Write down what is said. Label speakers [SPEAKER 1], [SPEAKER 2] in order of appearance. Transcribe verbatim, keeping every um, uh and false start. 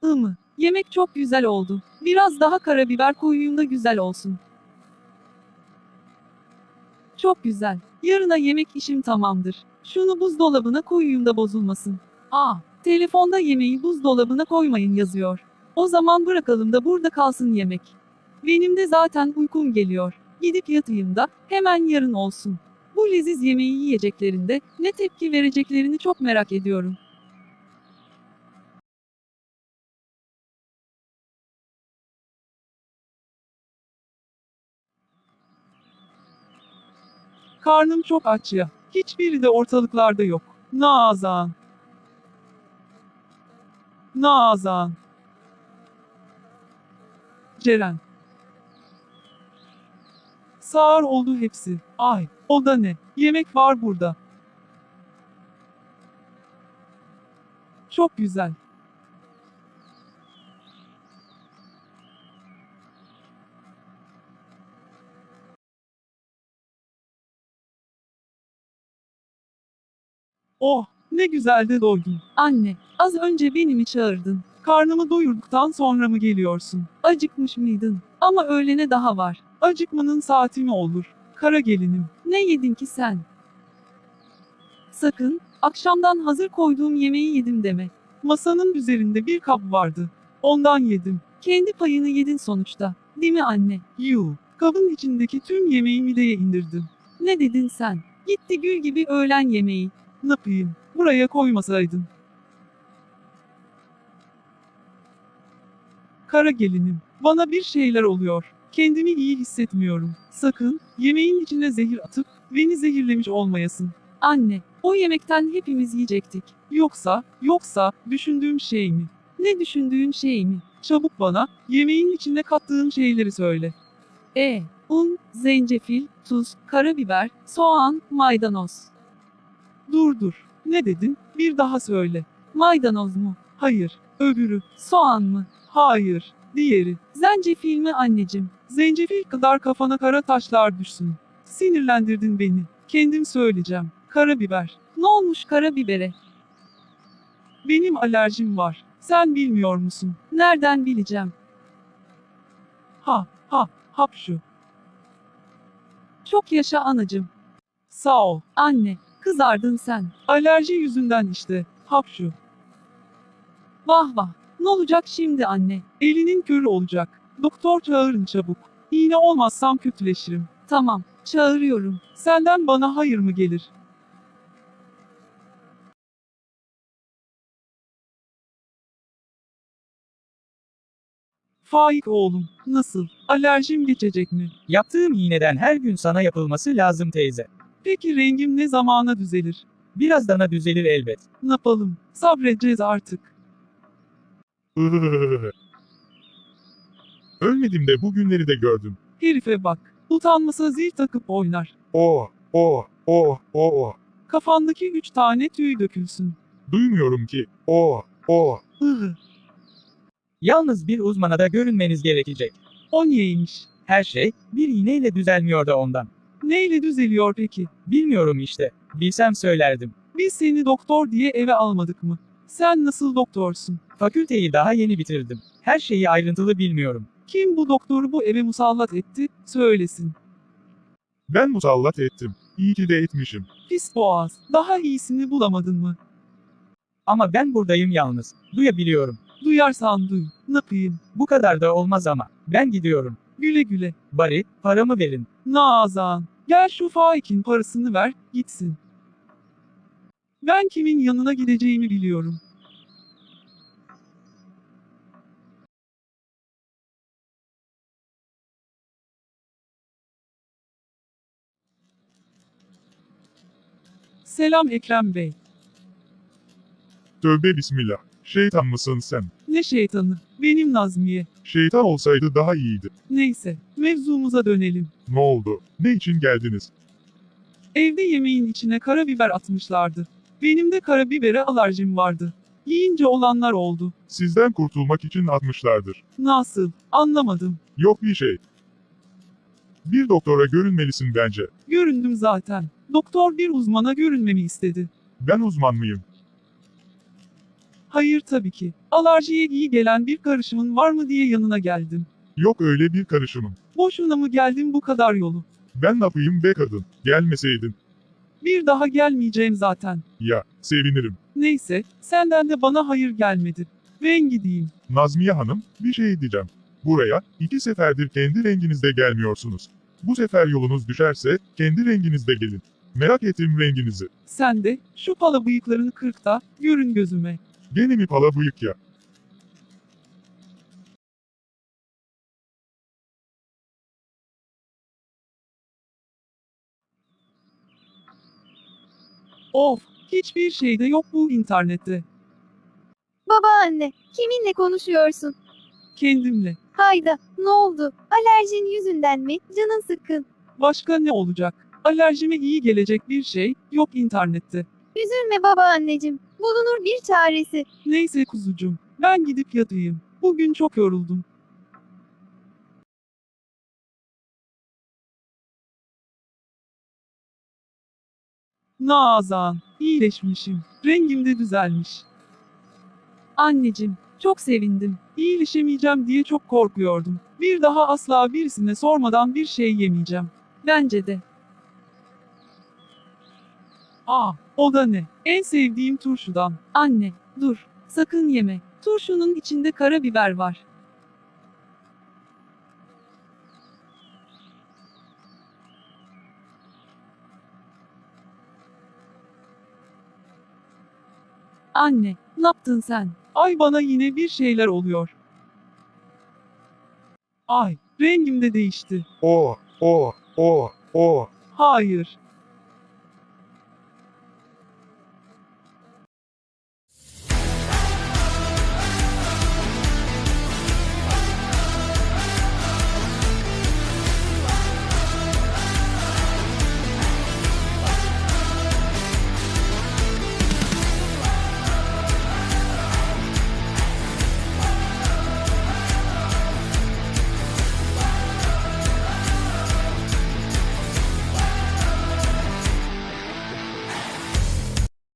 [SPEAKER 1] Imı. Yemek çok güzel oldu. Biraz daha karabiber koyayım da güzel olsun. Çok güzel. Yarına yemek işim tamamdır. Şunu buzdolabına koyayım da bozulmasın. Aa, telefonda yemeği buzdolabına koymayın yazıyor. O zaman bırakalım da burada kalsın yemek. Benim de zaten uykum geliyor. Gidip yatayım da hemen yarın olsun. Bu leziz yemeği yiyeceklerinde ne tepki vereceklerini çok merak ediyorum.
[SPEAKER 2] Karnım çok aç ya. Hiçbiri de ortalıklarda yok. Nazan. Nazan. Ceren. Sağır oldu hepsi. Ay, o da ne? Yemek var burada. Çok güzel. Oh, ne güzel de doydum.
[SPEAKER 1] Anne, az önce beni mi çağırdın?
[SPEAKER 2] Karnımı doyurduktan sonra mı geliyorsun?
[SPEAKER 1] Acıkmış mıydın? Ama öğlene daha var.
[SPEAKER 2] Acıkmanın saati mi olur? Kara gelinim.
[SPEAKER 1] Ne yedin ki sen? Sakın, akşamdan hazır koyduğum yemeği yedim deme.
[SPEAKER 2] Masanın üzerinde bir kap vardı. Ondan yedim.
[SPEAKER 1] Kendi payını yedin sonuçta. Değil mi anne?
[SPEAKER 2] Yuh, kabın içindeki tüm yemeği mideye indirdim.
[SPEAKER 1] Ne dedin sen? Gitti gül gibi öğlen yemeği.
[SPEAKER 2] Ne yapayım? Buraya koymasaydın. Kara gelinim, bana bir şeyler oluyor. Kendimi iyi hissetmiyorum. Sakın, yemeğin içine zehir atıp, beni zehirlemiş olmayasın.
[SPEAKER 1] Anne, o yemekten hepimiz yiyecektik.
[SPEAKER 2] Yoksa, yoksa, düşündüğüm şey mi?
[SPEAKER 1] Ne düşündüğün şey mi?
[SPEAKER 2] Çabuk bana, yemeğin içine kattığın şeyleri söyle.
[SPEAKER 1] E, un, zencefil, tuz, karabiber, soğan, maydanoz.
[SPEAKER 2] Dur dur, ne dedin? Bir daha söyle.
[SPEAKER 1] Maydanoz mu?
[SPEAKER 2] Hayır, öbürü.
[SPEAKER 1] Soğan mı?
[SPEAKER 2] Hayır, diğeri.
[SPEAKER 1] Zencefil mi anneciğim?
[SPEAKER 2] Zencefil kadar kafana kara taşlar düşsün. Sinirlendirdin beni. Kendim söyleyeceğim. Karabiber.
[SPEAKER 1] Ne olmuş karabibere?
[SPEAKER 2] Benim alerjim var. Sen bilmiyor musun?
[SPEAKER 1] Nereden bileceğim?
[SPEAKER 2] Ha, ha, hapşu.
[SPEAKER 1] Çok yaşa anacığım.
[SPEAKER 2] Sağ ol.
[SPEAKER 1] Anne, kızardın sen.
[SPEAKER 2] Alerji yüzünden işte. Hapşu.
[SPEAKER 1] Vah vah. Ne olacak şimdi anne?
[SPEAKER 2] Elinin körü olacak. Doktor çağırın çabuk. İğne olmazsam kötüleşirim.
[SPEAKER 1] Tamam, çağırıyorum.
[SPEAKER 2] Senden bana hayır mı gelir? Faik oğlum, nasıl? Alerjim geçecek mi?
[SPEAKER 3] Yaptığım iğneden her gün sana yapılması lazım teyze.
[SPEAKER 2] Peki rengim ne zamana düzelir?
[SPEAKER 3] Birazdan düzelir elbet.
[SPEAKER 2] Ne yapalım? Sabredeceğiz artık.
[SPEAKER 4] Ölmedim de bugünleri de gördüm.
[SPEAKER 2] Herife bak. Utanmasa zil takıp oynar.
[SPEAKER 4] Oh, oh, oh, oh.
[SPEAKER 2] Kafandaki üç tane tüy dökülsün.
[SPEAKER 4] Duymuyorum ki. Oh, oh.
[SPEAKER 2] Ihı.
[SPEAKER 3] Yalnız bir uzmana da görünmeniz gerekecek.
[SPEAKER 2] O niyeymiş?
[SPEAKER 3] Her şey, bir iğneyle düzelmiyor da ondan.
[SPEAKER 2] Neyle düzeliyor peki?
[SPEAKER 3] Bilmiyorum işte. Bilsem söylerdim.
[SPEAKER 2] Biz seni doktor diye eve almadık mı? Sen nasıl doktorsun?
[SPEAKER 3] Fakülteyi daha yeni bitirdim. Her şeyi ayrıntılı bilmiyorum.
[SPEAKER 2] Kim bu doktoru bu eve musallat etti? Söylesin.
[SPEAKER 4] Ben musallat ettim. İyi ki de etmişim.
[SPEAKER 2] Pis boğaz. Daha iyisini bulamadın mı?
[SPEAKER 3] Ama ben buradayım yalnız. Duyabiliyorum.
[SPEAKER 2] Duyarsan duy. Ne yapayım?
[SPEAKER 3] Bu kadar da olmaz ama. Ben gidiyorum.
[SPEAKER 2] Güle güle.
[SPEAKER 3] Bari, paramı verin.
[SPEAKER 2] Nazan. Gel şu Faik'in parasını ver, gitsin. Ben kimin yanına gideceğimi biliyorum. Selam Ekrem Bey.
[SPEAKER 4] Tövbe bismillah. Şeytan mısın sen?
[SPEAKER 2] Ne şeytanı? Benim Nazmiye.
[SPEAKER 4] Şeytan olsaydı daha iyiydi.
[SPEAKER 2] Neyse, mevzumuza dönelim.
[SPEAKER 4] Ne oldu? Ne için geldiniz?
[SPEAKER 2] Evde yemeğin içine karabiber atmışlardı. Benim de karabibere alerjim vardı. Yiyince olanlar oldu.
[SPEAKER 4] Sizden kurtulmak için atmışlardır.
[SPEAKER 2] Nasıl? Anlamadım.
[SPEAKER 4] Yok bir şey. Bir doktora görünmelisin bence.
[SPEAKER 2] Göründüm zaten. Doktor bir uzmana görünmemi istedi.
[SPEAKER 4] Ben uzman mıyım?
[SPEAKER 2] Hayır tabii ki. Alerjiye iyi gelen bir karışımın var mı diye yanına geldim.
[SPEAKER 4] Yok öyle bir karışımım.
[SPEAKER 2] Boşuna mı geldim bu kadar yolu?
[SPEAKER 4] Ben ne yapayım be kadın? Gelmeseydin.
[SPEAKER 2] Bir daha gelmeyeceğim zaten.
[SPEAKER 4] Ya, sevinirim.
[SPEAKER 2] Neyse, senden de bana hayır gelmedi. Ben gideyim.
[SPEAKER 4] Nazmiye Hanım, bir şey diyeceğim. Buraya, iki seferdir kendi renginizde gelmiyorsunuz. Bu sefer yolunuz düşerse, kendi renginizde gelin. Merak ettim renginizi.
[SPEAKER 2] Sen de, şu pala bıyıklarını kırk da, görün gözüme.
[SPEAKER 4] Gene mi pala bıyık ya?
[SPEAKER 2] Of, hiçbir şey de yok bu internette.
[SPEAKER 5] Babaanne, kiminle konuşuyorsun?
[SPEAKER 2] Kendimle.
[SPEAKER 5] Hayda, ne oldu? Alerjin yüzünden mi? Canın sıkkın.
[SPEAKER 2] Başka ne olacak? Alerjime iyi gelecek bir şey, yok internette.
[SPEAKER 5] Üzülme babaanneciğim. Bulunur bir çaresi.
[SPEAKER 2] Neyse kuzucum, ben gidip yatayım. Bugün çok yoruldum. Nazan, iyileşmişim. Rengim de düzelmiş.
[SPEAKER 1] Anneciğim, çok sevindim.
[SPEAKER 2] İyileşemeyeceğim diye çok korkuyordum. Bir daha asla birisine sormadan bir şey yemeyeceğim.
[SPEAKER 1] Bence de.
[SPEAKER 2] Aa, o da ne? En sevdiğim turşudan.
[SPEAKER 1] Anne, dur. Sakın yeme. Turşunun içinde karabiber var. Anne, ne yaptın sen?
[SPEAKER 2] Ay bana yine bir şeyler oluyor. Ay, rengim de değişti.
[SPEAKER 4] O, o, o, o.
[SPEAKER 2] Hayır,